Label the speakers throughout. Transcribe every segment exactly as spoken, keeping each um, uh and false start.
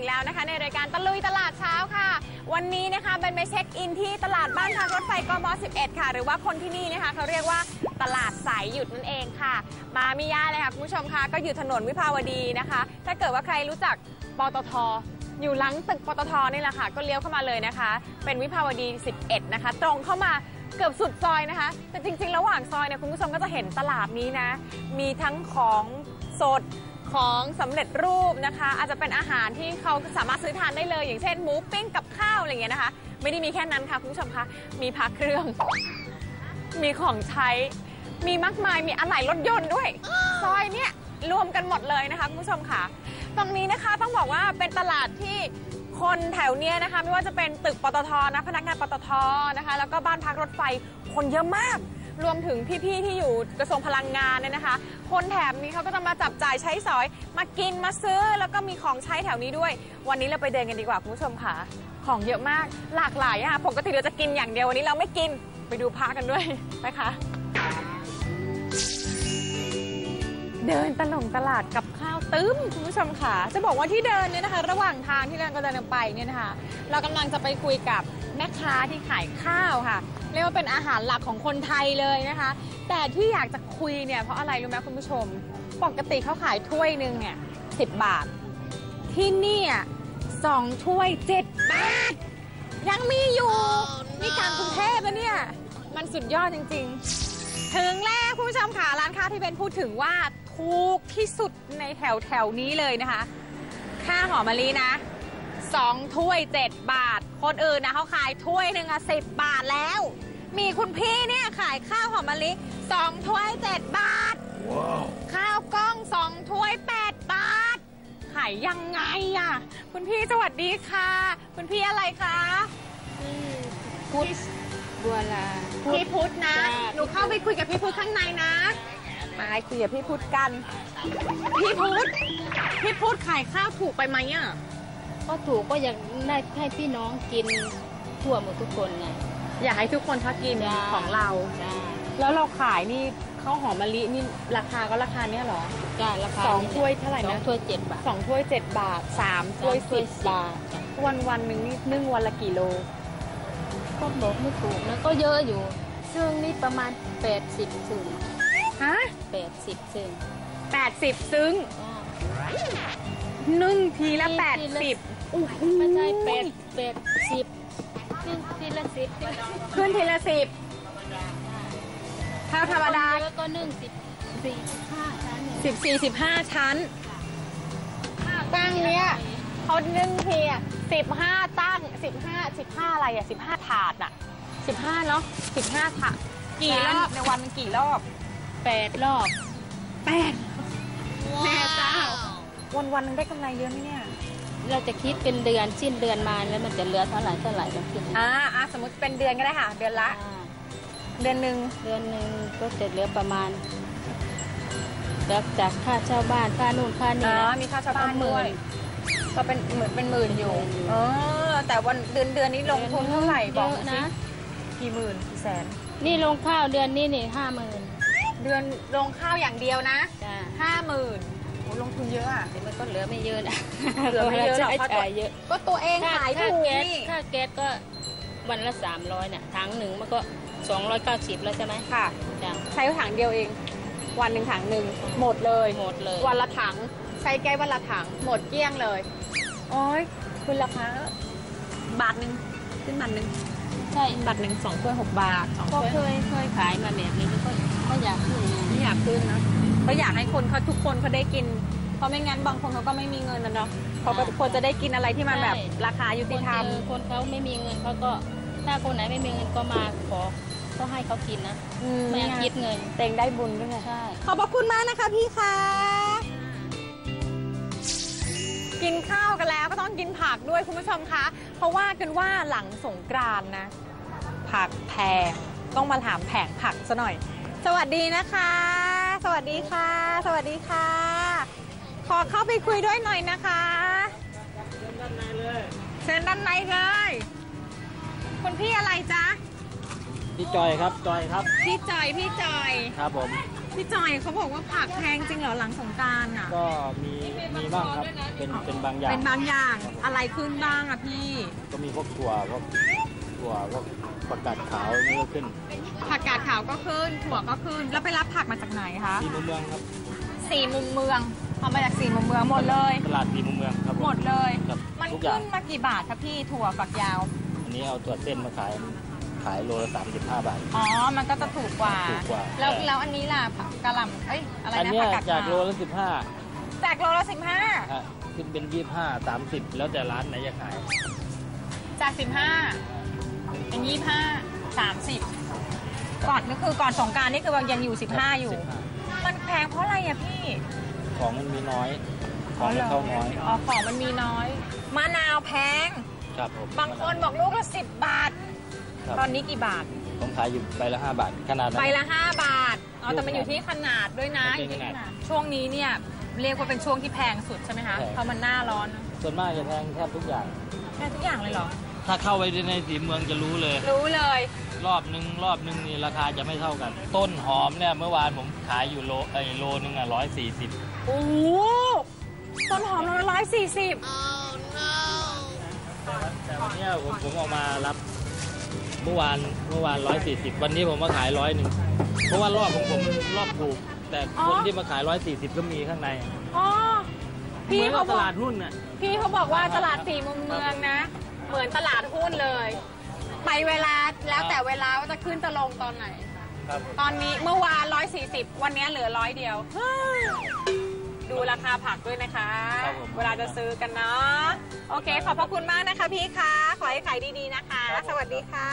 Speaker 1: แล้วนะคะในรายการตะลุยตลาดเช้าค่ะวันนี้นะคะเป็นไปเช็คอินที่ตลาดบ้านพักรถไฟกม.สิบเอ็ดค่ะหรือว่าคนที่นี่นะคะเขาเรียกว่าตลาดสายหยุดนั่นเองค่ะมาไม่ยากเลยค่ะคุณผู้ชมค่ะก็อยู่ถนนวิภาวดีนะคะถ้าเกิดว่าใครรู้จักปตท.อยู่หลังตึกปตท.นี่แหละค่ะก็เลี้ยวเข้ามาเลยนะคะเป็นวิภาวดีสิบเอ็ดนะคะตรงเข้ามาเกือบสุดซอยนะคะแต่จริงๆระหว่างซอยเนี่ยคุณผู้ชมก็จะเห็นตลาดนี้นะมีทั้งของสดของสำเร็จรูปนะคะอาจจะเป็นอาหารที่เขาสามารถซื้อทานได้เลยอย่างเช่นหมูปิ้งกับข้าวอะไรอย่างเงี้ยนะคะไม่ได้มีแค่นั้นค่ะคุณผู้ชมคะมีพระเครื่องมีของใช้มีมากมายมีอะไหล่รถยนต์ด้วยซอยเนี่ยรวมกันหมดเลยนะคะคุณผู้ชมค่ะตรงนี้นะคะต้องบอกว่าเป็นตลาดที่คนแถวเนี้ยนะคะไม่ว่าจะเป็นตึกปตท.นะพนักงานปตท.นะคะแล้วก็บ้านพักรถไฟคนเยอะมากรวมถึงพี่ๆที่อยู่กระทรวงพลังงานเนี่ยนะคะคนแถบนี้เขาก็จะมาจับจ่ายใช้สอยมากินมาซื้อแล้วก็มีของใช้แถวนี้ด้วยวันนี้เราไปเดินกันดีกว่าคุณผู้ชมค่ะของเยอะมากหลากหลายอ่ะปกติเราจะกินอย่างเดียววันนี้เราไม่กินไปดูพากันด้วยไปค่ะเดินตลงตลาดกับข้าวตึ้มคุณผู้ชมค่ะจะบอกว่าที่เดินเนี่ยนะคะระหว่างทางที่เรากำลังไปเนี่ยนะคะเรากำลังจะไปคุยกับแม่ค้าที่ขายข้าวค่ะเรียกว่าเป็นอาหารหลักของคนไทยเลยนะคะแต่ที่อยากจะคุยเนี่ยเพราะอะไรรู้ไหมคุณผู้ชมปกติเขาขายถ้วยหนึ่งเนี่ยสิบบาทที่นี่สองถ้วยเจ็ดบาทยังมีอยู่นี่กลางกรุงเทพนะเนี่ยมันสุดยอดจริงๆถึงแล้วคุณผู้ชมค่ะร้านค้าที่เป็นพูดถึงว่าถูกที่สุดในแถวแถวนี้เลยนะคะค่าหอมมะลินะสองถ้วยเจ็ดบาทคนอื่นนะเขาขายถ้วยหนึ่งอะสิบบาทแล้วมีคุณพี่เนี่ยขายข้าวหอมมะลิสองถ้วยเจ็ดบาท wow. ข้าวกล้องสองถ้วยแปดบาทขายยังไงอะคุณพี่สวัสดีค่ะคุณพี่อะไรคะพุทธบัวลาพี่พุทธนะหนูเข้าไปคุยกับพี่พุทธข้างในนะมาคุยกับพี่พุทธกันพี่พุทธพี่พุทธขายข้าวถูกไปไหมอ่ะ
Speaker 2: ก็ถูกก็อยากได้ให้พี่น้องกินทั่วหมดทุกคนไง
Speaker 1: อยากให้ทุกคนเขากินของเราแล้วเราขายนี่ข้าวหอมมะลินี่ราคาก็ราคาเนี้ยหรอ
Speaker 2: จ้าราคา
Speaker 1: สองถ้วยเท่าไหร่นะ
Speaker 2: สองถ้วยเจ็ดบาท
Speaker 1: สองถ้วยเจ็ดบาทสามถ้วยสิบบาทวันวันหนึ่งนี่นึ่งวันละกี่โล
Speaker 2: ก็บอกไม่ถูกนะก็เยอะอยู่ซึ่งนี่ประมาณแปดสิบซึ่ง
Speaker 1: ฮะ
Speaker 2: แปดสิบซึ่ง
Speaker 1: แปดสิบซึ้งนึ่งทีละแปดสิบ
Speaker 2: ไม่ใช่แปดแปดสิบนึ่งทีละสิบ
Speaker 1: ขึ้นทีละสิบข้าวธรรมดา
Speaker 2: แล้วก็นึ่งสิบสี่สิบห้าชั้น
Speaker 1: สิบสี่สิบห้าชั้นตั้งเนี้ยเขานึ่งทีอ่ะสิบห้าตั้งสิบห้าสิบห้าอะไรอ่ะสิบห้าถาดอ่ะสิบห้าเนาะสิบห้าถาดกี่รอบในวันกี่รอบ
Speaker 2: แปดรอบ
Speaker 1: แปดแม่เจ้าวันวันนึงได้กำไรเยอะไหมเนี่ย
Speaker 2: เราจะคิดเป็นเดือนสิ้นเดือนมาแล้วมันจะเหลือเท่าไหร่เท่าไหร่เราคิด
Speaker 1: อ่าอ่าสมมติเป็นเดือนก็ได้ค่ะเดือนละเดือนหนึ่ง
Speaker 2: เดือนหนึ่งก็จะเหลือประมาณแล้วจากค่าเช่าบ้านค่านู่นค่านี่นะ
Speaker 1: มีค่าเช่าบ้านด้วยก็เป็นเหมือนเป็นหมื่นอยู่อ๋อแต่วันเดือนเดือนนี้ลงทุนเท่าไหร่บอกนะกี่หมื่นกี่แสน
Speaker 2: นี่ลงข้าวเดือนนี้นี่ห้าหมื่น
Speaker 1: เดือนลงข้าวอย่างเดียวนะห้าหมื่นโอ้ลงทุนเยอะอ่ะ
Speaker 2: แต่มันก็เหลือไม่เยอะนะ
Speaker 1: เหลือไม่เยอะหรอกเพราะเยอะก็ตัวเองขายถูก
Speaker 2: นี่ค่าแก๊สก็วันละสามร้อยเนี่ยถังหนึ่งมันก็สองร้อยเก้าสิบแล้วใช่ไหม
Speaker 1: ค่ะใช้ถังเดียวเองวันหนึ่งถังหนึ่งหมดเลย
Speaker 2: หมดเลย
Speaker 1: วันละถังใช้แก๊สวันละถังหมดเกลี้ยงเลยโอ้ยคุณราคาบาทหนึ่งขึ้นบาทหนึ่ง
Speaker 2: ใช่
Speaker 1: บาทหนึ่งสองถ้วยหกบาท
Speaker 2: ก็เคยเคยขายมาแบบนี้ก็ก็อยากขึ้น
Speaker 1: ไม่อยากขึ้นนะก็อยากให้คนเขาทุกคนเขาได้กินเพราะไม่งั้นบางคนเขาก็ไม่มีเงินนะเนาะเขาก็ควรจะได้กินอะไรที่มันแบบราคายุติธรรม
Speaker 2: คนเขาไม่มีเงินเขาก็ถ้าคนไหนไม่มีเงินก็มาขอก็ให้เขากินนะไม่อยากคิดเงิน
Speaker 1: เต็งได้บุญด้วยไง
Speaker 2: ใช่
Speaker 1: ขอบพระคุณมากนะคะพี่คะกินข้าวกันแล้วก็ต้องกินผักด้วยคุณผู้ชมคะเพราะว่ากันว่าหลังสงกรานต์นะผักแพงต้องมาถามแผงผักซะหน่อยสวัสดีนะคะสวัสดีค่ะสวัสดีค่ะขอเข้าไปคุยด้วยหน่อยนะคะเชิญด้านในเลยเชิญด้านในเลยคุณพี่อะไรจ๊ะ
Speaker 3: พี่จอยครับจอยครับ
Speaker 1: พี่จอยพี่จอย
Speaker 3: ครับผม
Speaker 1: พี่จอยเขาบอกว่าผักแพงจริงเหรอหลังสงกรานต์อ่ะ
Speaker 3: ก็มีมีบ้างครับเป็นเป็นบางอย่าง
Speaker 1: เป็นบางอย่างอะไรขึ้นบ้างอะพี่
Speaker 3: ก็มีพวกถั่วพวกถั่วพวกประกาศขาวนี่ก็ขึ้น
Speaker 1: ผักกาดขาวก็ขึ้นถั่วก็ขึ้นแล้วไปรับผักมาจากไหนคะ
Speaker 3: ที่มุมเมืองครับ
Speaker 1: สี่มุมเมืองเอามาจากสี่มุมเมืองหมดเลย
Speaker 3: ตลาดที่มุมเมืองครับผ
Speaker 1: หมดเลย
Speaker 3: ครับ
Speaker 1: มัน
Speaker 3: ทุกอย่า
Speaker 1: ขึ้
Speaker 3: ง
Speaker 1: นมากี่บาทคะพี่ถั่วฝักยาว
Speaker 3: อันนี้เอาถั่วเส้นมาขายขายโลละสามสิบห้าบาท
Speaker 1: อ๋อมันก็จะถูกกว่า
Speaker 3: ถูกกว่า
Speaker 1: แล้วแล้วอันนี้ล่ะผักกะหล่ำเอ้ยอะไร
Speaker 3: อัน
Speaker 1: นะ
Speaker 3: เนี้ย
Speaker 1: ผักกาด
Speaker 3: จาก
Speaker 1: ขาว
Speaker 3: โลละสิบห้า
Speaker 1: จากโลละสิบห้า
Speaker 3: ขึ้นเป็นยี่สิบห้าสามสิบแล้วแต่ร้านไหนจะขาย
Speaker 1: จากสิบห้าเป็นยี่ห้าสามสิบก่อนนี่คือก่อนสงกรานต์นี่คือยังอยู่สิบห้าอยู่
Speaker 3: สิบห้า
Speaker 1: มันแพงเพราะอะไรอะพี่
Speaker 3: ของมันมีน้อยของมันเข้าน้อย
Speaker 1: อ๋อของมันมีน้อยมะนาวแพง
Speaker 3: ครับผม
Speaker 1: บางคนบอกลูกละสิบบาท
Speaker 3: ครับ
Speaker 1: ตอนนี้กี่บาท
Speaker 3: ผมขายอยู่ใบละห้าบาทขนาดนั้น
Speaker 1: ใบละห้าบาทอ๋อแต่มันอยู่ที่ขนาดด้วยนะ
Speaker 3: มัน
Speaker 1: อ
Speaker 3: เป็น
Speaker 1: ยู่ที่ข
Speaker 3: ขนา
Speaker 1: นาด
Speaker 3: ด
Speaker 1: ช่วงนี้เนี่ยเรียกว่าเป็นช่วงที่แพงสุดใช่ไหมคะ
Speaker 3: ใช่
Speaker 1: เพราะมันหน้าร้อน
Speaker 3: ส่วนมากจะแพงแทบทุกอย่าง
Speaker 1: แพงทุกอย่างเลยเหรอ
Speaker 3: ถ้าเข้าไปในสีเมืองจะรู้เลย
Speaker 1: รู้เลย
Speaker 3: รอบนึงรอบนึงนี่ราคาจะไม่เท่ากัน ต้นหอมเนี่ยเมื่อวานผมขายอยู่โลไอโลนึงอ่ะร้อยสี่สิบ
Speaker 1: โอ้โหต้นหอมละร้อยสี่สิบ
Speaker 3: แต่วันเนี้ยผมผมเออกมารับเมื่อวานเมื่อวานร้อยสี่สิบวันนี้ผมมาขายร้อยหนึ่งเพราะว่ารอบของผมรอบถูก แต่คนที่มาขายร้อยสี่สิบก็มีข้างใน
Speaker 1: อ๋อ
Speaker 3: เห
Speaker 1: พี่
Speaker 3: มือน
Speaker 1: เขา
Speaker 3: กับ
Speaker 1: บ
Speaker 3: ต
Speaker 1: อก
Speaker 3: ลาดหุ้นน่ะ
Speaker 1: พี่เขาบอกว่าตลาดสี่มุมเมืองนะ เหมือนตลาดหุ้นเลย ไปเวลาแล้วแต่เวลาว่าจะขึ้นจะลงตอนไหน
Speaker 3: ครับ
Speaker 1: ตอนนี้เมื่อวานร้อยสี่สิบวันนี้เหลือร้อยเดียว ดูราคาผักด้วยนะคะ
Speaker 3: ครับผม
Speaker 1: เวลาจะซื้อกันเนาะโอเค ขอบพระคุณมากนะคะพี่คะขอให้ขายดีๆนะคะ สวัสดีค่ะ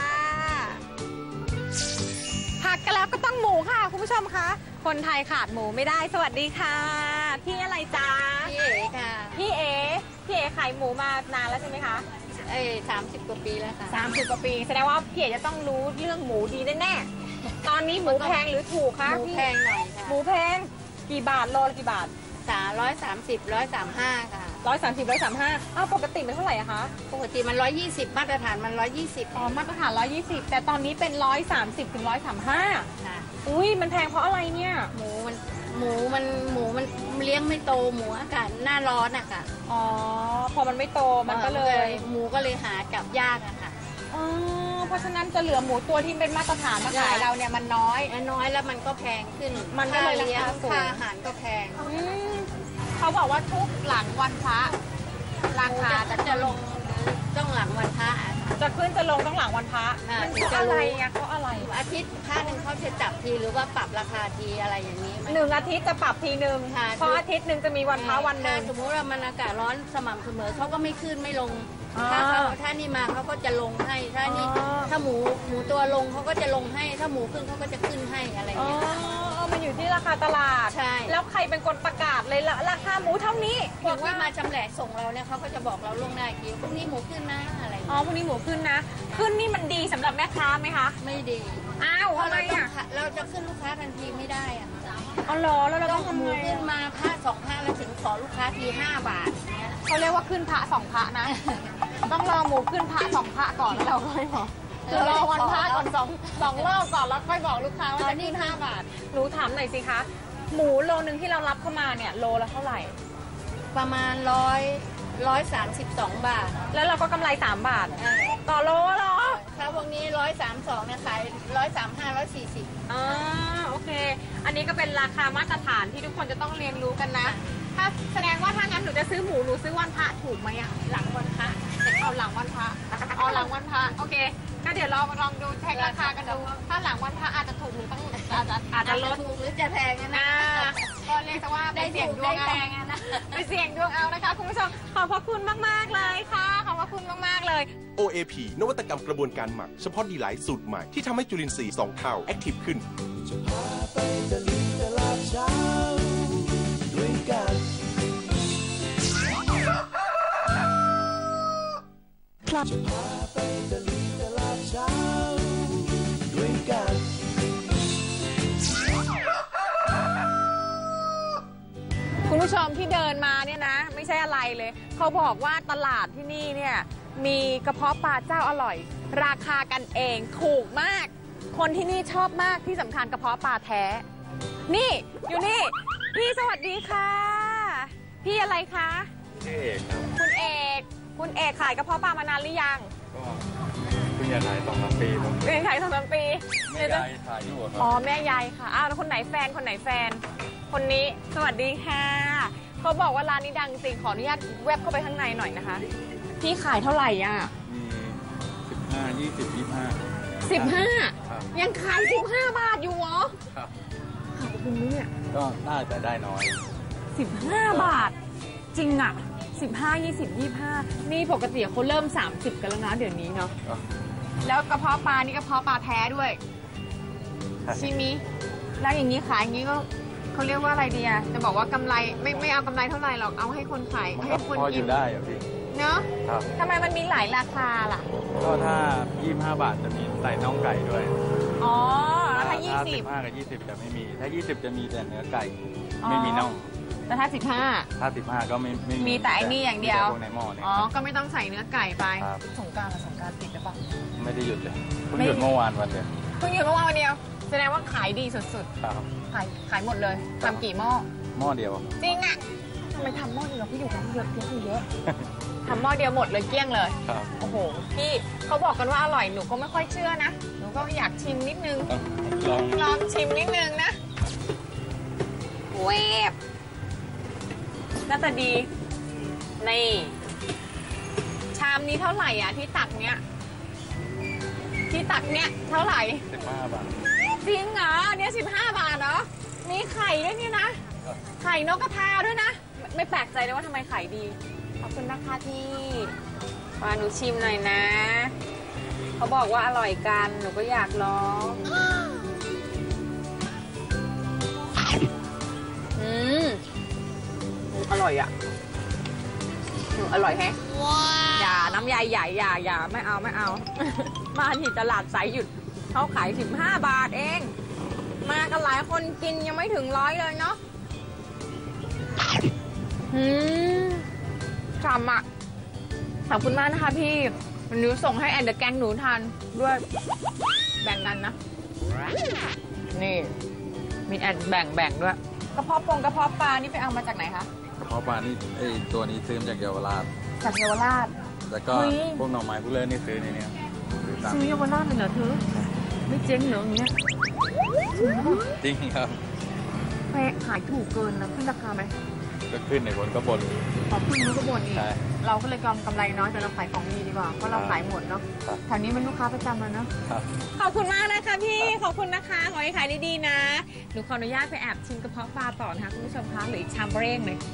Speaker 1: ผักกันแล้วก็ต้องหมูค่ะ คุณผู้ชมคะคนไทยขาดหมูไม่ได้สวัสดีค่ะ พี่อะไรจ๊ะ
Speaker 4: พี่เอ๋ค่ะ
Speaker 1: พี่เอพี่เอขายหมูมานานแล้วใช่ไหมคะ
Speaker 4: เอ้สามสิบกว่าปีแล้วค่ะ
Speaker 1: สามสิบกว่าปีแสดงว่าพี่เอจะต้องรู้เรื่องหมูดีแน่ๆตอนนี้หมูแพงหรือถูกคะ
Speaker 4: หมู
Speaker 1: พี่
Speaker 4: แพงหน่อยค่ะ
Speaker 1: หมูแพงกี่บาทโลละกี่บาท
Speaker 4: สามร้อยสามสิบร้อยสามห้าค่ะ
Speaker 1: ร้อยสามสิบร้อยสามห้าอ้าวปกติเป็นเท่าไหร่อะคะ
Speaker 4: ปกติมันร้อยยี่สิบมาตรฐานมันร้อยยี่สิบ
Speaker 1: อ๋อมาตรฐานร้อยยี่สิบแต่ตอนนี้เป็นร้อยสามสิบถึงร้อยสามห้า
Speaker 4: ค่ะ
Speaker 1: อุ้ยมันแพงเพราะอะไรเนี่ย
Speaker 4: หมูมันหมูมันหมูมันเลี้ยงไม่โตหมูอากาศหน้าร้อนอะค่ะ
Speaker 1: อ๋อพอมันไม่โตมันก็เลย
Speaker 4: หมูก็เลยหาจับยากอะค่ะ
Speaker 1: อ๋อเพราะฉะนั้นจะเหลือหมูตัวที่เป็นมาตรฐานมาขาย
Speaker 4: ใช่
Speaker 1: เราเนี่ยมันน้อย
Speaker 4: น้อยแล้วมันก็แพงขึ้น
Speaker 1: มันก็เลย
Speaker 4: ค่าเลี้ยง
Speaker 1: ราคาสูง
Speaker 4: ค่าอาหารก็แพง
Speaker 1: อืมเขาบอกว่าทุกหลังวันพระราคา
Speaker 4: จะ
Speaker 1: จะ
Speaker 4: จะลงต้องหลังวันพระอะ
Speaker 1: จะขึ้นจะลงต้องหลังวันพระ
Speaker 4: อ่า
Speaker 1: มัน
Speaker 4: ถึ
Speaker 1: เพ
Speaker 4: งจะ
Speaker 1: ราะ
Speaker 4: รู้
Speaker 1: อะไรอะเพราะอะไร
Speaker 4: อาทิตย์พระหนึ่งเขาจะจับทีหรือว่าปรับราคาทีอะไรอย่างนี้ไหม
Speaker 1: หนึ่งอาทิตย์จะปรับทีหนึ่ง
Speaker 4: ค่ะ
Speaker 1: เพราะอาทิตย์หนึ่งจะมีวันพระวันหนึ่ง
Speaker 4: ถ้าสมมุติว่ามันอากาศร้อนสม่ำเสมอเขาก็ไม่ขึ้นไม่ลง
Speaker 1: อ๋อ
Speaker 4: ถ้าเขาถ้านี่มาเขาก็จะลงให้ ถ้านี่
Speaker 1: อ๋อ
Speaker 4: ถ้าหมูหมูตัวลงเขาก็จะลงให้ ถ้าหมูขึ้นเขาก็จะขึ้นให้อะไรอย่าง
Speaker 1: อ๋อ
Speaker 4: เงี้ย
Speaker 1: มันอยู่ที่ราคาตลาด
Speaker 4: ใช่
Speaker 1: แล้วใครเป็นคนประกาศเลยละราคาหมูเท่านี้
Speaker 4: พวกที่มาชำแหละส่งเราเนี่ยเขาก็จะบอกเราล่วงหน้าอีกทีพรุ่งนี้หมูขึ้นนะอะไรอย่าง
Speaker 1: อ๋อ
Speaker 4: เงี้ย
Speaker 1: พรุ่งนี้หมูขึ้นนะ ขึ้นนี่มันดีสำหรับแม่ค้าไหมคะ
Speaker 4: ไม่ดี
Speaker 1: อ้าว
Speaker 4: เพราะ
Speaker 1: ทำไม
Speaker 4: เราต้อง
Speaker 1: อ่ะ
Speaker 4: ขะเราจะขึ้นลูกค้าทันทีไม่ได้อะ
Speaker 1: อ๋อเหรอแล้วเรา
Speaker 4: ต้
Speaker 1: ต้
Speaker 4: อ
Speaker 1: อง ง
Speaker 4: ห
Speaker 1: ทำ
Speaker 4: มู
Speaker 1: ไง
Speaker 4: ขึ้น
Speaker 1: อะ
Speaker 4: มาผ้าสองผ้าแล้วถึงขอลูกค้าทีห้าบาทเงี้ย
Speaker 1: เขาเรียกว่าขึ้นพระสองพระนะ ต้องรอหมูขึ้นพระสองพระก่อนแล้วเราค่อยบอกคือรอวันพระก่อนสองสองรอบก่อนแล้วค่อยบอกลูกค้าว่าจะขึ้นห้าบาทหนูถามหน่อยสิคะ หมูโลนึงที่เรารับเข้ามาเนี่ยโลละเท่าไหร่
Speaker 4: ประมาณร้อยร้อยสามสิบสองบาท
Speaker 1: แล้วเราก็กำไรสามบาท ต่อโลเหรอ
Speaker 4: ถ้าพวกนี้ร้อยสามสองเนี่ยขายร้อยสามห้าร้อยสี่สิบ
Speaker 1: อ่าโอเค อันนี้ก็เป็นราคามาตรฐานที่ทุกคนจะต้องเรียนรู้กันนะ ถ้าแสดงว่าถ้างั้นหนูจะซื้อหมูหนูซื้อวันพระถูกไหมอะหลังวันพระเอาหลังวันพระเอาหลังวันพระโอเคก็เดี๋ยวลองลองดูแท็กราคากันดูถ้าหลังวันพระอาจจะถูกหรือต้องอาจจะอาจจะลด
Speaker 4: ถูกหรือจะแพงนะ
Speaker 1: อ่าก็เรียกซะว่าไป
Speaker 4: ได้
Speaker 1: เสี่ยง
Speaker 4: ถูก
Speaker 1: ดว
Speaker 4: ได้
Speaker 1: งเอา
Speaker 4: แพงอะนะ
Speaker 1: ไปเสี่ยงดวงเอานะคะคุณผู้ชมขอบพระคุณมากๆเลยค่ะขอบพระคุณมากๆเลย
Speaker 5: โอ เอ พี นวัตกรรมกระบวนการหมักเฉพาะดีไลท์สูตรใหม่ที่ทำให้จุลินทรีย์สองเท่าแอคทีฟขึ้น
Speaker 1: คุณผู้ชมที่เดินมาเนี่ยนะ ไม่ใช่อะไรเลย เขาบอกว่าตลาดที่นี่เนี่ยมีกระเพาะปลาเจ้าอร่อย ราคากันเองถูกมากคนที่นี่ชอบมากที่สำคัญกระเพาะปลาแท้ นี่อยู่นี่ พี่สวัสดีค่ะ พี่อะไรคะ
Speaker 6: ชื่อเอกครับ
Speaker 1: คุณเอก คุณเอกขายกระเพาะปลามานานหรือยัง
Speaker 6: ก็เพิ่งจะถ่ายสองสามปีผม
Speaker 1: เรียนขายสองสามปี
Speaker 6: แม่ยายถ่ายอยู่อะครั
Speaker 1: อ๋อแม่ยายค่ะอ้าวแล้วคนไหนแฟนคนไหนแฟน คนนี้สวัสดีค่ะเขาบอกว่าร้านนี้ดังจริงขออนุญาตแวบเข้าไปข้างในหน่อยนะคะ พี่ขายเท่าไหร่อ่ะ
Speaker 6: มีสิบห้ายี่สิบยี่ห้า
Speaker 1: สิบห้า
Speaker 6: ครับ
Speaker 1: ยังขายสิบห้าบาทอยู่เหรอ
Speaker 6: ครับ
Speaker 1: ขอบคุณเนี่ย
Speaker 6: ก็น่าจะได้น้อย
Speaker 1: สิบห้าบาท จริงอ่ะสิบห้ายี่สิบยี่ห้านี่ปกติเขาเริ่มสามสิบกันแล้วนะเดี๋ยวนี้เนาะ
Speaker 6: ก็
Speaker 1: แล้วกระเพาะปลานี่กระเพาะปลาแท้ด้วย
Speaker 6: ใช่
Speaker 1: ชิมิแล้วอย่างนี้ขายอย่างนี้ก็เขาเรียกว่าอะไรดีอะจะบอกว่ากำไรไม่ไม่เอากำไรเท่าไหร่หรอกเอาให้คนขาย
Speaker 6: มัน
Speaker 1: ให้
Speaker 6: ก็
Speaker 1: คน
Speaker 6: พออ
Speaker 1: กิน
Speaker 6: ยู่ได้อะพี่
Speaker 1: เนาะ
Speaker 6: ครับ
Speaker 1: ทำไมมันมีหลายราคาล่ะ
Speaker 6: ก็ถ้ายี่สิบห้าบาทจะมีใส่น่องไก่ด้วย
Speaker 1: อ๋อแล้วถ้ายี่
Speaker 6: ถ้า
Speaker 1: สิ
Speaker 6: สิ
Speaker 1: บบ
Speaker 6: ห้ากับยี่สิบจะไม่มี ถ้ายี่สิบจะมีแต่เนื้อไก่
Speaker 1: อ๋อ
Speaker 6: ไม่มีน่อง
Speaker 1: แต่ถ้าสิบห้า
Speaker 6: ถ้าสิบห้าก็ไม่ไม่
Speaker 1: มีแต่ไอ้นี่อย่างเดียว
Speaker 6: มีแต่พวกในหม้อเนี่ย
Speaker 1: อ๋อ
Speaker 6: ครับ
Speaker 1: ก็ไม่ต้องใส่เนื้อไก่ไป
Speaker 6: ครับ
Speaker 1: สงกรานต์สงกรานต์ติดหรือเปล่า
Speaker 6: ไม่ได้หยุดเลยเพิ่ง
Speaker 1: ไม่
Speaker 6: หยุดเมื่อวานวันเดียว
Speaker 1: เพิ่งหยุดเมื่อวานวันเดียวแสดงว่าขายดีสุด
Speaker 6: ครับ
Speaker 1: ๆขายขายหมดเลย
Speaker 6: ครับ
Speaker 1: ทำกี่หม้อ
Speaker 6: หม้อเดียว
Speaker 1: จริงอะทำไมทำหม้อเดียวพี่อยู่กันเยอะเยอะเยอะทำหม้อเดียวหมดเลยเกลี้ยงเลย
Speaker 6: ครับ
Speaker 1: โอ้โห พี่เขาบอกกันว่าอร่อยหนูก็ไม่ค่อยเชื่อนะ หนูก็อยากชิมนิดนึง
Speaker 6: ต้องลอง
Speaker 1: ลองชิมนิดนึงนะเวฟน่าจะดี นี่ ชามนี้เท่าไหร่อ่ะที่ตักเนี้ย ที่ตักเนี้ยเท่าไหร่
Speaker 6: สิบห้าบาท
Speaker 1: จริงเหรอเนี่ยสิบห้าบาทเหรอ มีไข่ด้วยนี่นะ ไข่นกกระทาด้วยนะ ไม่ไม่แปลกใจเลยว่าทำไมไข่ดี ขอบคุณนะคะพี่มาหนูชิมหน่อยนะ เขาบอกว่าอร่อยกัน หนูก็อยากลอง อืม อร่อยอ่ะอืมอร่อยแฮะอย่าน้ำยายใหญ่อย่าอย่าไม่เอาไม่เอา มาที่ตลาดสายหยุดเขาขายสิบห้าบาทเอง มากันหลายคนกินยังไม่ถึงร้อยเลยเนาะอืมฉ่ำอ่ะขอบคุณมากนะคะพี่วันนี้ส่งให้แอนเดอร์แกงหนูทานด้วยแบ่งกันนะ นี่มีแอนแบ่งแบ่งด้วยกระเพาะปงกระเพาะปลานี่ไปเอามาจากไหนคะ
Speaker 6: เพราะปลานี่ไอตัวนี้ซื้อมาจากเยาวราช
Speaker 1: จากเยาวราช
Speaker 6: แล้วก็
Speaker 1: เฮ้ย
Speaker 6: พวกหน่อไม้พวกเล่นนี่ซื้อในเนี้ยซื้อตาม
Speaker 1: ซื้อเยาวราชเลยเหรอเธอไม่เจ๊งเหรออย่างเงี้ย
Speaker 6: จริงครับ
Speaker 1: แพงขายถูกเกินนะขึ้นราคาไหม
Speaker 6: ก็ขึ้นในบนก็บน
Speaker 1: ขอขึ้นนู้นก็บ่นอีก
Speaker 6: ใช่
Speaker 1: เราก็เลยกำกำไรน้อยแต่เราขายของดีดีกว่าเพราะเราขายหมดเนาะ
Speaker 6: ครับ
Speaker 1: แถวนี้เป็นลูกค้าประจำแล้วเนาะ
Speaker 6: ครับ
Speaker 1: ขอบคุณมากนะคะพี่ขอบคุณนะคะขอให้ขายดีๆนะหนูขออนุญาตไปแอบชิมกระเพาะปลาต่อนะคะคุณผู้ชมคะเหลืออีกชามเร่งเลย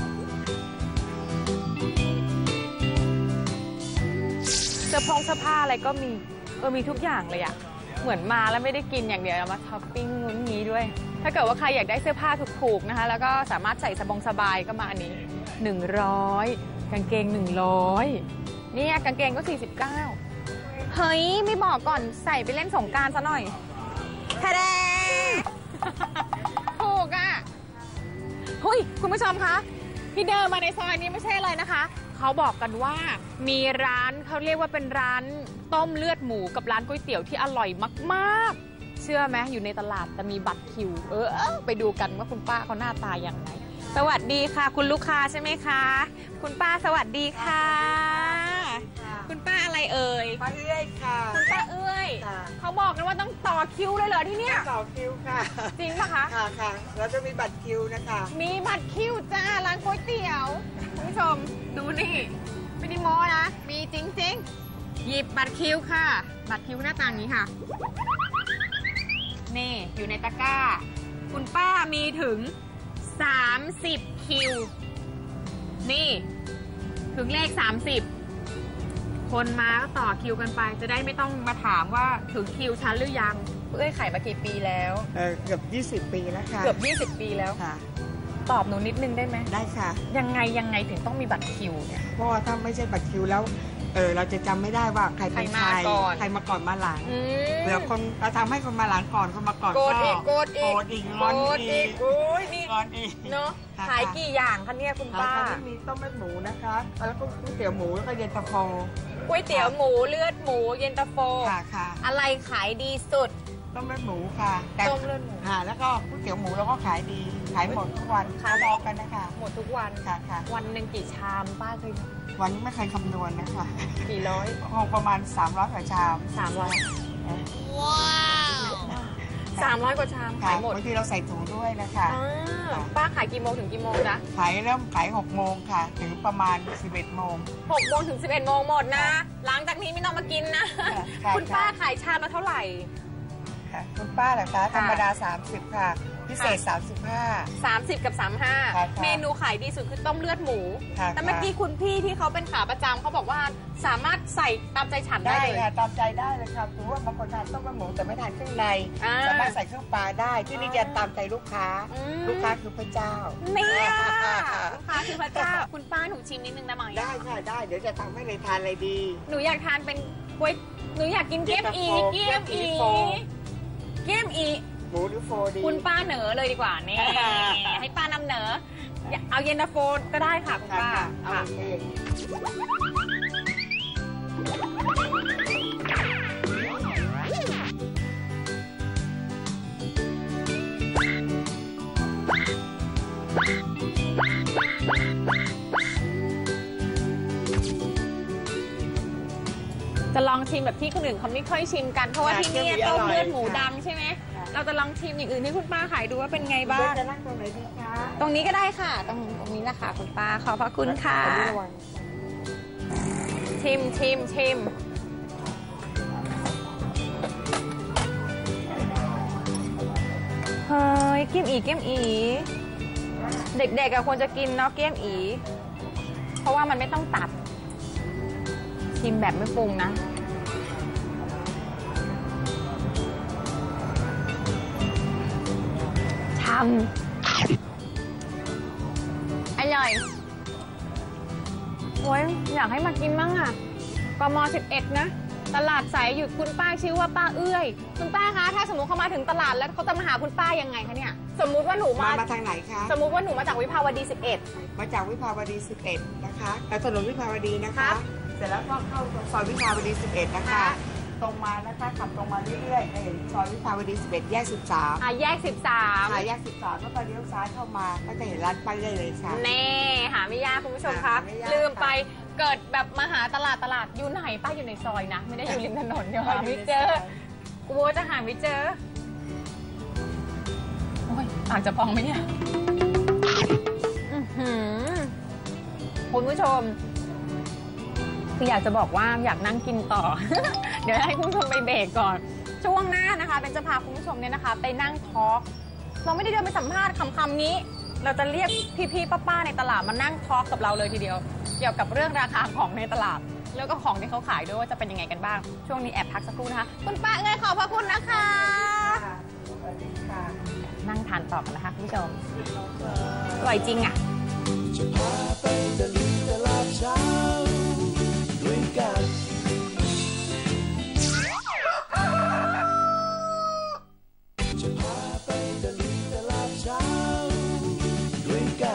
Speaker 1: เสื้อผงเสื้อผ้าอะไรก็มีเออมีทุกอย่างเลยอะเหมือนมาแล้วไม่ได้กินอย่างเดียวเอามาช้อปปิ้งงุ้นงี้ด้วย ถ้าเกิดว่าใครอยากได้เสื้อผ้าถูกๆนะคะแล้วก็สามารถใส่สบงสบายก็มาอันนี้หนึ่งร้อยกางเกงหนึ่งร้อยเนี่ยกางเกงก็สี่สิบเก้าเฮ้ยไม่บอกก่อนใส่ไปเล่นสงกรานต์ซะหน่อยทะเด ถูกอ่ะเฮ้ยคุณผู้ชมคะที่เดินมาในซอยนี้ไม่ใช่อะไรนะคะเขาบอกกันว่ามีร้านเขาเรียกว่าเป็นร้านต้มเลือดหมูกับร้านก๋วยเตี๋ยวที่อร่อยมากๆเชื่อไหมอยู่ในตลาดจะมีบัตรคิวเออไปดูกันว่าคุณป้าเขาหน้าตาอย่างไรสวัสดีค่ะคุณลูกค้าใช่ไหมคะคุณป้าสวัสดีค่ะ คุณป้าอะไรเอ่ย
Speaker 7: ป้าเอื้อยค่ะ
Speaker 1: คุณป้าเอ้ย
Speaker 7: ค่ะ
Speaker 1: เขาบอกกันว่าต้องต่อคิวเลยเหรอที่เนี่ย
Speaker 7: ต่อคิวค่ะ
Speaker 1: จริงปะคะ
Speaker 7: ค่ะค่ะเราจะมีบัตรคิวนะคะ
Speaker 1: มีบัตรคิวจ้าร้านก๋วยเตี๋ยวคุณผู้ชมดูนี่ไม่ได้โม้นะมีจริงๆ หยิบบัตรคิวค่ะ บัตรคิวหน้าตาอย่างนี้ค่ะนี่อยู่ในตะกร้า คุณป้ามีถึงสามสิบคิวนี่ถึงเลขสามสิบคนมาก็ต่อคิวกันไป จะได้ไม่ต้องมาถามว่าถึงคิวฉันหรือยังเอ้ยขายมากี่ปีแล้ว
Speaker 7: เออเกือบยี่สิบปีแล้วค่ะ
Speaker 1: เกือบยี่สิบปีแล้ว
Speaker 7: ค่ะ
Speaker 1: ตอบหนูนิดนึงได้ไหม
Speaker 7: ได้ค่ะ
Speaker 1: ยังไงยังไงถึงต้องมีบัตรคิวเนี่ย
Speaker 7: เพราะว่าถ้าไม่ใช่บัตรคิวแล้วเออเราจะจำไม่ได้ว่าใครเป็นใคร
Speaker 1: ใครมาก่อน
Speaker 7: ใครมาก่อนมาหลัง
Speaker 1: อืม
Speaker 7: เผื่อคนเราทำให้คนมาหลังก่อนคนมาก่อน
Speaker 1: โกรธอีกโกรธอีก
Speaker 7: โกรธอีกงอน
Speaker 1: โกรธ
Speaker 7: อี
Speaker 1: อี
Speaker 7: ก
Speaker 1: กโอ้ยนี่
Speaker 7: งอนอีก
Speaker 1: เนาะ
Speaker 7: ค่ะ
Speaker 1: ขายกี่อย่างคะเนี่ยคุณ
Speaker 7: ป้า
Speaker 1: ป้า
Speaker 7: มีต้มเลือดหมูนะคะแล้วก็ก๋วยเตี๋ยวหมูแล้วก็เย็นตาโฟ
Speaker 1: ก๋วยเตี๋ยวหมูเลือดหมูเย็นตาโฟ
Speaker 7: ค่ะค่ะ
Speaker 1: อะไรขายดีสุด
Speaker 7: ต้มเลือดหมูค่ะแต่
Speaker 1: ต้มเลือดหมู
Speaker 7: ค่ะแล้วก็ก๋วยเตี๋ยวหมูเราก็ขายดีขายหมดทุกวัน
Speaker 1: ขาย
Speaker 7: บอกกันนะคะ
Speaker 1: หมดทุกวัน
Speaker 7: ค่ะค่ะ
Speaker 1: วันหนึ่งกี่ชามป้าเคย
Speaker 7: วันนี้ไม่เคยคำนวณนะคะ
Speaker 1: กี่ร้อย
Speaker 7: คงประมาณสามร้อยกว่าชาม
Speaker 1: สามร้อยสามร้อยกว่าชาม
Speaker 7: ค่ะ
Speaker 1: ขายหมด
Speaker 7: บางทีเราใส่ถุงด้วยนะคะ
Speaker 1: อ่าป้าขายกี่โมงถึงกี่โมงจ๊ะ
Speaker 7: ขายเริ่มขายหกโมงค่ะ ถึงประมาณสิบเอ็ดโมง
Speaker 1: หกโมงถึงสิบเอ็ดโมงหมดนะ หลังจากนี้ไม่ต้องมากินนะ
Speaker 7: ค่ะ
Speaker 1: คุณป้าขายชามละเท่าไหร่
Speaker 7: ค่ะคุณป้าเหรอคะธรรมดาสามสิบค่ะ พิเศษสามสิบห้า
Speaker 1: สามสิบกับสามสิบห้า
Speaker 7: ค่ะ
Speaker 1: เมนูขายดีสุดคือต้มเลือดหมู
Speaker 7: ค่ะ
Speaker 1: แต่เมื่อกี้คุณพี่ที่เขาเป็นขาประจำเขาบอกว่าสามารถใส่ตามใจฉันได้
Speaker 7: ได้
Speaker 1: เลย
Speaker 7: ค่ะตามใจได้เลยครับถือว่าบางคนทานต้มเลือดหมูแต่ไม่ทานเครื่องใน
Speaker 1: อ่า
Speaker 7: สามารถใส่เครื่องปลาได้ที่นี่จะตามใจลูกค้า
Speaker 1: อืม
Speaker 7: ลูกค้าคือพระเจ้า
Speaker 1: เนี่ยลูกค้าคือพระเจ้า คุณป้าหนูชิมนิดนึงได้ไหม
Speaker 7: ได้ค่ะได้เดี๋ยวจะทำให้เลยทานอะไรดี
Speaker 1: หนูอยากทานเป็นก๋วยหนูอยากกินเกี๊ยมอี
Speaker 7: เย็
Speaker 1: เกี๊ย
Speaker 7: น
Speaker 1: ม
Speaker 7: ตาโฟ
Speaker 1: อี
Speaker 7: เกี๊ยมอี
Speaker 1: เกี๊ยมอี
Speaker 7: หมูหรือโฟดี
Speaker 1: คุณป้าเหนอเลยดีกว่านี่ ให้ป้านำเหนอเอาเย็นตาโฟก็ได้ค่ะคุณ
Speaker 7: ค่ะ
Speaker 1: ป้า
Speaker 7: ค่ะเอา
Speaker 1: ค่ะ
Speaker 7: โอเค
Speaker 1: จะลองชิมแบบที่คนอื่นเขาไม่ค่อยชิมกันเพราะว่าที่นี่ต้มเลือดหมูดังใช่ไหมเราจะลองชิมอย่างอื่นที่คุณป้าขายดูว่าเป็นไงบ้าง
Speaker 7: จะนั่งตรงไหนดีคะ
Speaker 1: ตรงนี้ก็ได้ค่ะ ตรงตรงนี้นะคะคุณป้าขอบพระคุณค่ะ
Speaker 7: ระวัง
Speaker 1: ชิมชิมชิมเฮ้ยเกี๊ยมอีเกี๊ยมอี เด็กๆอะควรจะกินเนาะเกี๊ยมอี เพราะว่ามันไม่ต้องตัด ชิมแบบไม่ปรุงนะทำอร่อยโอ้ยอยากให้มากินมั่งอ่ะกมสิบเอ็ดนะ ตลาดสายหยุดคุณป้าชื่อว่าป้าเอื้อยคุณป้าคะถ้าสมมติเขามาถึงตลาดแล้วเขาจะมาหาคุณป้ายังไงคะเนี่ยสมมุติว่าหนู
Speaker 7: มา
Speaker 1: มา
Speaker 7: มาทางไหนคะ
Speaker 1: สมมุติว่าหนูมาจากวิภาวดีสิบเอ็ด
Speaker 7: มาจากวิภาวดีสิบเอ็ดนะคะแต่ถนนวิภาวดีนะ
Speaker 1: ครั
Speaker 7: คะ
Speaker 1: บ
Speaker 7: เสร็จแล้วก็เข้าซอยวิภาวดีสิบเอ็ดนะคะ
Speaker 1: ค่ะ
Speaker 7: ตรงมานะคะขับตรงมาเรื่อยๆจะเห็นซอยวิภาวดีสิบเอ็ดแยกสิบสาม
Speaker 1: อ่ะแยกสิบสาม
Speaker 7: ค่ะแยกสิบสามแล้วก็เลี้ยวซ้ายเข้ามาก็จะเห็นร้านป้ายได้เลยค่ะ
Speaker 1: แน่หาไม่ยากคุณผู้ชมคะ
Speaker 7: หาไม่ยาก
Speaker 1: ลืมไปเกิดแบบมาหาตลาดตลาดอยู่ไหนป้าอยู่ในซอยนะ ไม่ได้อยู่ริมถนนเดี๋ยวหาไม่เจอกลัวจะหาไม่เจอโอ้ยปากจะพองไหมเนี่ยอื้อหือคุณผู้ชมคืออยากจะบอกว่าอยากนั่งกินต่อ เดี๋ยวให้คุณผู้ชมไปเบรกก่อน ช่วงหน้านะคะเป็นจะพาคุณผู้ชมเนี่ยนะคะ ไปนั่งทอล์กเราไม่ได้เดินไปสัมภาษณ์คำๆนี้ เราจะเรียกพี่ๆป้าๆในตลาดมานั่งทอล์กกับเราเลยทีเดียว เกี่ยวกับเรื่องราคาของในตลาด แล้วก็ของที่เขาขายด้วยว่าจะเป็นยังไงกันบ้าง ช่วงนี้แอบพักสักครู่นะคะคุณป้าเอ้ยขอบพระคุณนะคะ
Speaker 7: สวัสดีค่ะ
Speaker 1: นั่งทานต่อกันนะคะคุณผู้ชมอร่อยจริงอ่ะ
Speaker 8: จะพาไปตะลุยตลาดเช้าด้วยกัน จะพาไปตะลุยตลาดเช้าด้วยกัน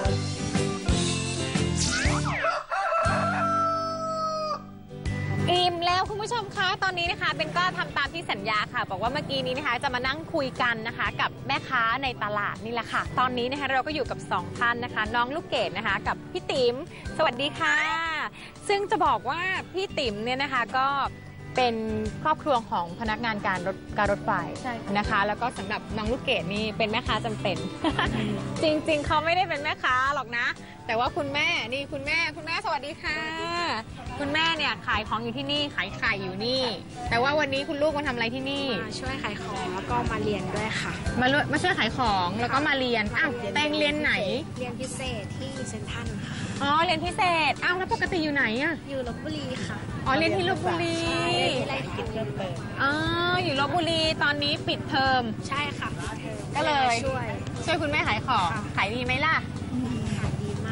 Speaker 1: อิ่มแล้วคุณผู้ชมคะตอนนี้นะคะเบนก็ทำตามที่สัญญาค่ะบอกว่าเมื่อกี้นี้นะคะจะมานั่งคุยกันนะคะกับแม่ค้าในตลาดนี่แหละค่ะตอนนี้นะคะเราก็อยู่กับสองท่านนะคะน้องลูกเกดนะคะกับพี่ติ๋มสวัสดีค่ะ ซึ่งจะบอกว่าพี่ติ๋มเนี่ยนะคะก็เป็นครอบครัวของพนักงานการรถการรถไฟนะคะแล้วก็สำหรับน้องลูกเกดนี่เป็นแม่ค้าจำเป็น จริงๆเขาไม่ได้เป็นแม่ค้าหรอกนะ แต่ว่าคุณแม่นี่คุณแม่คุณแม่สวัสดีค่ะ คุณแม่เนี่ยขายของอยู่ที่นี่ขายไข่อยู่นี่ แต่ว่าวันนี้คุณลูกมาทำอะไรที่นี่
Speaker 9: มาช่วยขายของแล้วก็มาเรียนด้วยค่ะ
Speaker 1: มาลุมาช่วยขายของแล้วก็มาเรียนอ้าวแตงเรียนไหน
Speaker 9: เรียนพิเศษที่เซนทรัลค่ะ
Speaker 1: อ๋อเรียนพิเศษอ้าวแล้วปกติอยู่ไหนอะ
Speaker 9: อยู่ลบบุรีค่ะ
Speaker 1: อ๋อเรียนที่ลบบุรี
Speaker 9: เรียนที่ไรกิจเพิ่มเติม
Speaker 1: อ๋ออยู่ลบบุรีตอนนี้ปิดเทอม
Speaker 9: ใช่ค่ะเธอ
Speaker 1: ก็เลย
Speaker 9: ช่วย
Speaker 1: ช่วยคุณแม่ขายของ
Speaker 9: ค่ะ
Speaker 1: ขายดีไหมล่ะ
Speaker 9: ขายดีมาก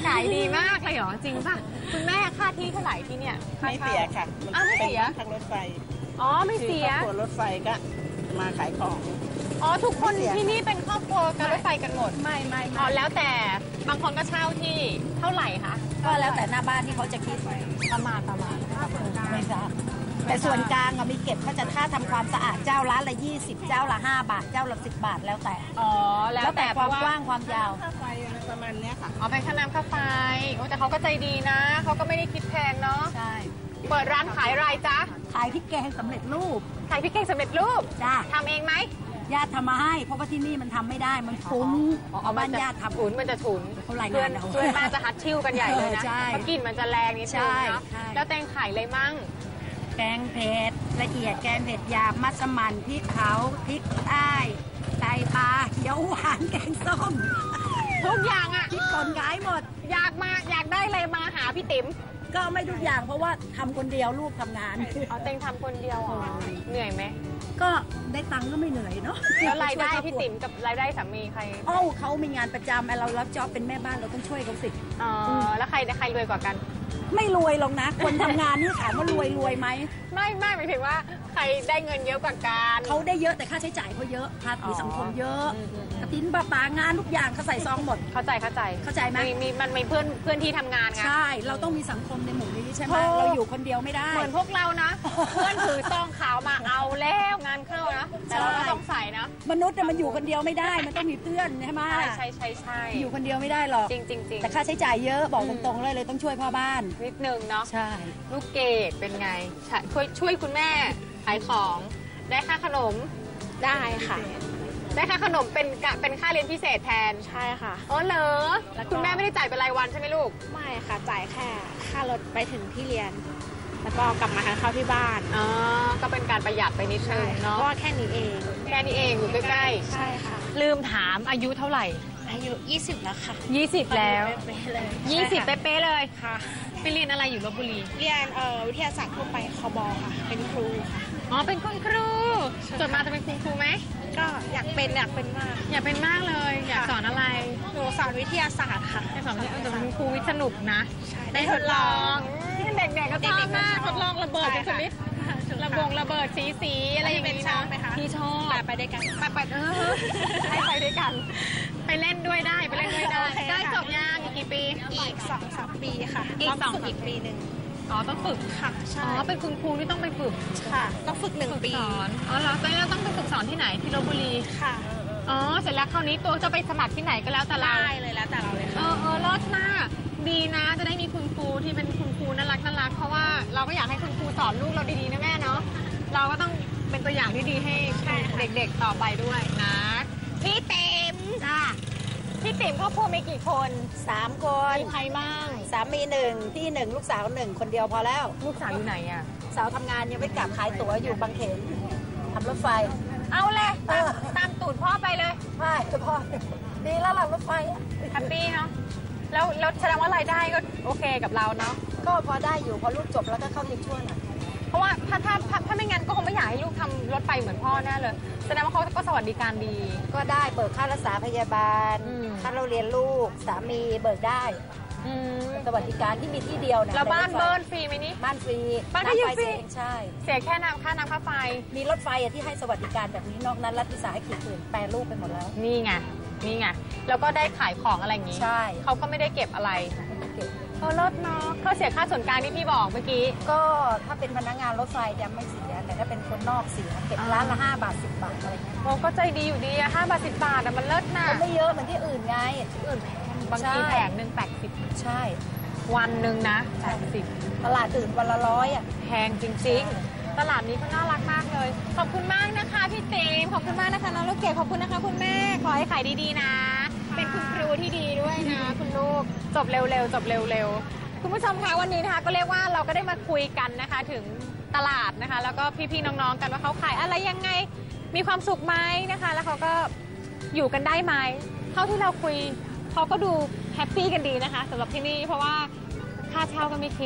Speaker 1: ขายดีมากเลยเหรอจริงป่ะคุณแม่ค่าที่เท่าไหร่ที่เนี่ยไม่เสียค่ะอ้าวไม่เสีย
Speaker 10: ทางรถไฟ
Speaker 1: อ๋อไม่เสีย
Speaker 10: ครอบครัวรถไฟก็มาขายของ
Speaker 1: อ๋อทุกคนที่นี่เป็นครอบครัวการรถไฟกันหมด
Speaker 4: ไม่ไม่
Speaker 1: อ๋อแล้วแต่บางคนก็เช่าที่เท่าไหร่คะ
Speaker 4: ก็แล้วแต่หน้าบ้านที่เขาจะคิด
Speaker 1: ประมาณประมาณ
Speaker 4: ไม่ทราบแต่ส่วนกลางอะมีเก็บเขาจะค่าทำความสะอาดเจ้าละละยี่สิบเจ้าละห้าบาทเจ้าละสิบบาทแล้วแต่
Speaker 1: อ๋อแล้ว
Speaker 4: แล้วแต่
Speaker 1: แต่
Speaker 4: ความกว้างความยาว
Speaker 10: ค่าไฟอะไรประมาณเนี้ยค่ะ
Speaker 1: อ๋อเป็นค่าน้ำค่าไฟโอ้แต่เขาก็ใจดีนะเขาก็ไม่ได้คิดแพงเนาะ
Speaker 4: ใช่
Speaker 1: เปิดร้านขายอะไรจ๊ะ
Speaker 4: ขายพริกแกงสำเร็จรูป
Speaker 1: ขายพริกแกงสำเร็จรูป
Speaker 4: จ้า
Speaker 1: ทำเองไหม
Speaker 4: ญาติทำมาให้เพราะว่าที่นี่มันทำไม่ได้มันฟุ้งเอาบ้านญาติทำ
Speaker 1: ถุนมันจะถุน
Speaker 4: เขาราย
Speaker 1: เพื่อน
Speaker 4: งานเอา
Speaker 1: เพื่อนมาจะฮัดชิ่วกันใหญ่เลยนะ
Speaker 4: เออใช่
Speaker 1: เพราะกลิ่นมันจะแรงนิดนึงเนาะ
Speaker 4: ใช่ใช่
Speaker 1: แล้วแตงไข่เลยมั่ง
Speaker 4: แกงเผ็ดละเอียดแกงเผ็ดหยาบมัสมั่นพริกเผาพริกใต้ไตปลาเขียวหวานแกงส้ม
Speaker 1: ทุกอย่างอ่ะ
Speaker 4: พริกป่นขายหมด
Speaker 1: อยากมาอยากได้อะไรมาหาพี่ติ๋ม
Speaker 4: ก็ไม่ทุกอย่างเพราะว่าทำคนเดียวลูกทำงาน
Speaker 1: อ๋อเตงทำคนเดียวเหรอเหนื่อยไหม
Speaker 4: ก็ได้ตังค์ก็ไม่เหนื่อยเนาะ
Speaker 1: แล้วรายได้พี่ติ๋มกับรายได้สามีใคร
Speaker 4: เอ้าเขามีงานประจำไอ้เรารับจ็อบเป็นแม่บ้านเราต้องช่วยเขาสิ
Speaker 1: อ๋อแล้วใครใครรวยกว่ากัน
Speaker 4: ไม่รวยหรอกนะ คนทำงานนี่ถามว่ารวยรวยไหม
Speaker 1: ไม่ไม่หมายถึงว่าใครได้เงินเยอะกว่ากัน
Speaker 4: เขาได้เยอะแต่ค่าใช้จ่ายเขาเยอะภาษีสังคมเยอะกระติ้นปลาปางานทุกอย่างเขาใส่ซองหมด
Speaker 1: เข้าใจเข้าใจ
Speaker 4: เข้าใจไหม
Speaker 1: มีมันมีเพื่อนเพื่อนที่ทำงานไง
Speaker 4: ใช่เราต้องมีสังคมในหมู่นี้ใช่ไหม
Speaker 1: โอ้
Speaker 4: เราอยู่คนเดียวไม่ได้
Speaker 1: เหมือนพวกเรานะ เพื่อนถือซองขาวมาเอาแล้วงานเข้านะแต่เราก็ต้องใส่นะ
Speaker 4: มนุษย์เนี่ยมันอยู่คนเดียวไม่ได้ มันต้องมีเพื่อนใช่ไหม
Speaker 1: ใช่ใช่ใช่ใช่
Speaker 4: อยู่คนเดียวไม่ได้หรอก
Speaker 1: จริงจริงจริง
Speaker 4: แต่ค่าใช้จ่ายเยอะบอกตรงๆเลยเลยต้องช่วยพ่อบ้าน
Speaker 1: นิดนึงเนาะ
Speaker 4: ใช่
Speaker 1: ลูกเกดเป็นไงช่วยช่วยคุณแม่ขายของได้ค่าขนม
Speaker 9: ได้ค่ะ
Speaker 1: ได้ค่าขนมเป็นกะเป็นค่าเรียนพิเศษแทน
Speaker 9: ใช่ค่ะ
Speaker 1: อ๋อเหรอ
Speaker 9: แล้วก็
Speaker 1: คุณแม่ไม่ได้จ่ายเป็นรายวันใช่ไหมลูก
Speaker 9: ไม่ค่ะ จ่ายแค่ค่ารถไปถึงที่เรียน แล้วก็กลับมาทานข้าวที่บ้าน
Speaker 1: อ๋อก็เป็นการประหยัดไปนิดนึง
Speaker 9: เพ
Speaker 1: เนาะ
Speaker 9: ราะว่าแค่นี้เอง
Speaker 1: แค่นี้เองอยู่ใกล้
Speaker 9: ใช่ค่ะ
Speaker 1: ๆลืมถามอายุเท่าไหร่
Speaker 9: อายุยี่สิบแล้วค่ะ
Speaker 1: ยี่สิบแล้ว
Speaker 9: เป๊ะๆเลย
Speaker 1: ยี่สิบ
Speaker 9: ใช่ค่ะ
Speaker 1: เป๊ะๆเลย
Speaker 9: ค่ะ
Speaker 1: ไปเรียนอะไรอยู่ลบบุรี
Speaker 9: เรียนเอ่อวิทยาศาสตร์ทั่วไปคบค่ะ เป็นครูค่ะ
Speaker 1: อ๋อเป็นคุณครูจบมาจะเป็นคุณครูไหม
Speaker 9: ก็อยากเป็นอยากเป็นมาก
Speaker 1: อยากเป็นมากเลย อยากสอนอะไร
Speaker 9: หนูสอนวิทยาศาสตร์ค่ะ
Speaker 1: ให้สอนแต่เป็นครูวิทย์สนุกนะ
Speaker 9: ใช่
Speaker 1: ได้ทดลองเด็กๆก็ชอบมากทดลองระเบิด
Speaker 9: ใช่
Speaker 1: เป็นช
Speaker 9: ค่ะ
Speaker 1: นิดระบงระเบิดสีสีๆอะไรอย่างนี้
Speaker 9: พี่เป็นชอบไหมคะ
Speaker 1: พี่ชอบ
Speaker 9: ไปไปด้วยกัน
Speaker 1: ไปไปเออให้ไปด้วยกัน ไปเล่นด้วยได้ไปเล่นด้วยได้
Speaker 9: โอเค
Speaker 1: ได้
Speaker 9: ค่ะ
Speaker 1: จบยังอีกกี่ปี
Speaker 9: อีกสองสามปีค่ะ
Speaker 1: อีก
Speaker 9: ต้
Speaker 1: สอง
Speaker 9: ฝึกอีกปีหนึ่ง
Speaker 1: อ๋อต้องฝึก
Speaker 9: ค่ะ ใช่
Speaker 1: อ๋อเป็นคุณครูที่ต้องไปฝึก
Speaker 9: ค่ะ ต้องฝึกหนึ่งปี
Speaker 1: สอนอ๋อเหรอตอนนี้เราต้องไปฝึกสอนที่ไหนที่ลบบุรี
Speaker 9: ค่ะ
Speaker 1: อ๋อเสร็จแล้วคราวนี้ตัวจะไปสมัครที่ไหนก็แล้วแต่เรา
Speaker 9: ได้เลยแล้วแต่เราเลย
Speaker 1: เอ
Speaker 9: ค่ะ
Speaker 1: อเออรอดมากดีนะจะได้มีคุณครูที่เป็นคุณครูน่ารักน่ารักเพราะว่าเราก็อยากให้คุณครูสอนลูกเราดีๆนะแม่เนาะเราก็ต้องเป็นตัวอย่างที่ดีให้เด็กๆต่อไปด้วยนะพี่เต็ม
Speaker 4: จ้า
Speaker 1: พี่ติ๋มครอบครัวมีกี่คน
Speaker 4: สามคน
Speaker 1: มีใครบ้าง
Speaker 4: สามีหนึ่งพี่หนึ่งลูกสาวหนึ่งคนเดียวพอแล้ว
Speaker 1: ลูกสาวอยู่ไหนอ่ะ
Speaker 4: สาวทำงานยังไม่กลับขายตั๋วอยู่บางเขนทำรถไฟ
Speaker 1: เอาเลยตามตามตูดพ่อไปเลย
Speaker 4: ใช่พ่อดีแล้วหลังรถไฟอะ
Speaker 1: แฮปปี้เนาะแล้วแล้วแสดงว่ารายได้ก็โอเคกับเราเนาะ
Speaker 4: ก็พอได้อยู่พอลูกจบแล้วก็เข้าทิพย์ช่วยหน่อย
Speaker 1: เพราะว่าถ้าถ้าถ้าถ้าไม่งั้นก็คงไม่อยากให้ลูกทำรถไฟเหมือนพ่อแน่เลยแสดงว่าเขาก็สวัสดิการดี
Speaker 4: ก็ได้เบิกค่ารักษาพยาบาล
Speaker 1: อืม
Speaker 4: ค่าเราเรียนลูกสามีเบิกได้
Speaker 1: อืม
Speaker 4: สวัสดิการที่มีที่เดียวนะ
Speaker 1: แล้วบ้าน
Speaker 4: ใรถไฟ
Speaker 1: เบิร์นฟรีไหมนี่
Speaker 4: บ้านฟรี
Speaker 1: บ้านก็อยู่
Speaker 4: ไฟ
Speaker 1: ฟรี
Speaker 4: เสียเองใช่
Speaker 1: เสียแค่น้ำค่าน้ำค่าไฟ
Speaker 4: มีรถไฟอะที่ให้สวัสดิการแบบนี้นอกนั้นรัฐวิสาหกิจอื่นแปรรูปไปหมดแล้ว
Speaker 1: นี่ไง นี่ไง แล้วก็ได้ขายของอะไรอย่างนี้
Speaker 4: ใช่
Speaker 1: เขาก็ไม่ได้เก็บอะไร
Speaker 4: เก็บ
Speaker 1: เออลดเนาะเขาเสียค่าส่วนกลางที่พี่บอกเมื่อกี้
Speaker 4: ก็ถ้าเป็นพนักงานรถไฟจะไม่เสียแต่ถ้าเป็นคนนอกเสียเก็บร้านละห้าบาทสิบบาทอะไรเงี้ย
Speaker 1: โอ้ก็ใจดีอยู่ดีอะห้าบาทสิบบาทอะมันเลิศนะ
Speaker 4: ก็ไม่เยอะเหมือนที่อื่นไงที่อื่นแพง
Speaker 1: บางที
Speaker 4: ใช่
Speaker 1: แผงหนึ่งแปดสิบ
Speaker 4: ใช่
Speaker 1: วันหนึ่งนะแปดสิบ
Speaker 4: ตลาดอื่นวันละร้อยอ่ะ
Speaker 1: แพงจริง ๆ ตลาดนี้ก็น่ารักมากเลย ขอบคุณมากนะคะพี่เต็มขอบคุณมากนะคะน้องลูกเกดขอบคุณนะคะคุณแม่ ขอให้ขายดีๆนะ เป็นคุณครูที่ดีด้วยนะ คุณลูก จบเร็วๆ จบเร็วๆ คุณผู้ชมคะวันนี้นะคะก็เรียกว่าเราก็ได้มาคุยกันนะคะถึงตลาดนะคะ แล้วก็พี่ๆน้องๆกันว่าเขาขายอะไรยังไง มีความสุขไหมนะคะ แล้วเขาก็อยู่กันได้ไหมเท่าที่เราคุยเขาก็ดูแฮปปี้กันดีนะคะสำหรับที่นี่เพราะว่าค่าเช่าก็ไม่คิด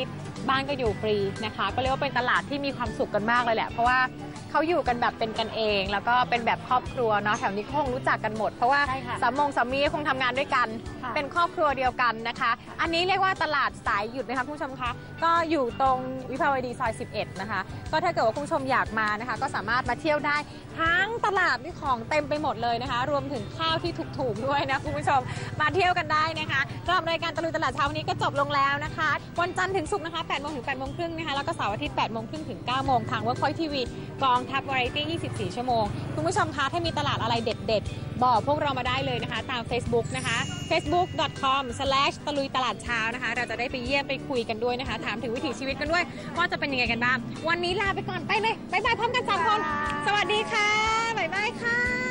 Speaker 1: บ้านก็อยู่ฟรีนะคะก็เรียกว่าเป็นตลาดที่มีความสุขกันมากเลยแหละเพราะว่าเขาอยู่กันแบบเป็นกันเองแล้วก็เป็นแบบครอบครัวเนาะแถวนี้คงรู้จักกันหมดเพราะว่าสามงสามีคงทำงานด้วยกันเป็นครอบครัวเดียวกันนะคะอันนี้เรียกว่าตลาดสายหยุดนะคะคุณผู้ชมคะก็อยู่ตรงวิภาวดีซอยสิบเอ็ดนะคะก็ถ้าเกิดว่าคุณผู้ชมอยากมานะคะก็สามารถมาเที่ยวได้ทั้งตลาดที่ของเต็มไปหมดเลยนะคะรวมถึงข้าวที่ถูกๆด้วยนะคุณผู้ชมมาเที่ยวกันได้นะคะสำหรับรายการตะลุยตลาดเช้าวันนี้ก็จบลงแล้วนะคะวันจันทร์ถึงศุกร์นะคะแปดโมงถึงแปดโมงครึ่งนะคะแล้วก็เสาร์อาทิตย์แปดโมงครึ่งถึงเก้าโมงทาง Workpoint ที วี กองทัพวาไรตี้ยี่สิบสี่ชั่วโมงคุณผู้ชมคะถ้ามีตลาดอะไรเด็ดๆบอกพวกเรามาได้เลยนะคะตาม Facebook นะคะ เฟซบุ๊ก ดอท คอม สแลช ตะลุยตลาดเช้านะคะเราจะได้ไปเยี่ยมไปคุยกันด้วยนะคะถามถึงวิถีชีวิตกันด้วยว่าจะเป็นยังไงกันบ้างวันนี้ลาไปก่อนไปเลยบ๊ายบายพร้อมกันสามคนสวัสดีค่ะบ๊ายบายค่ะ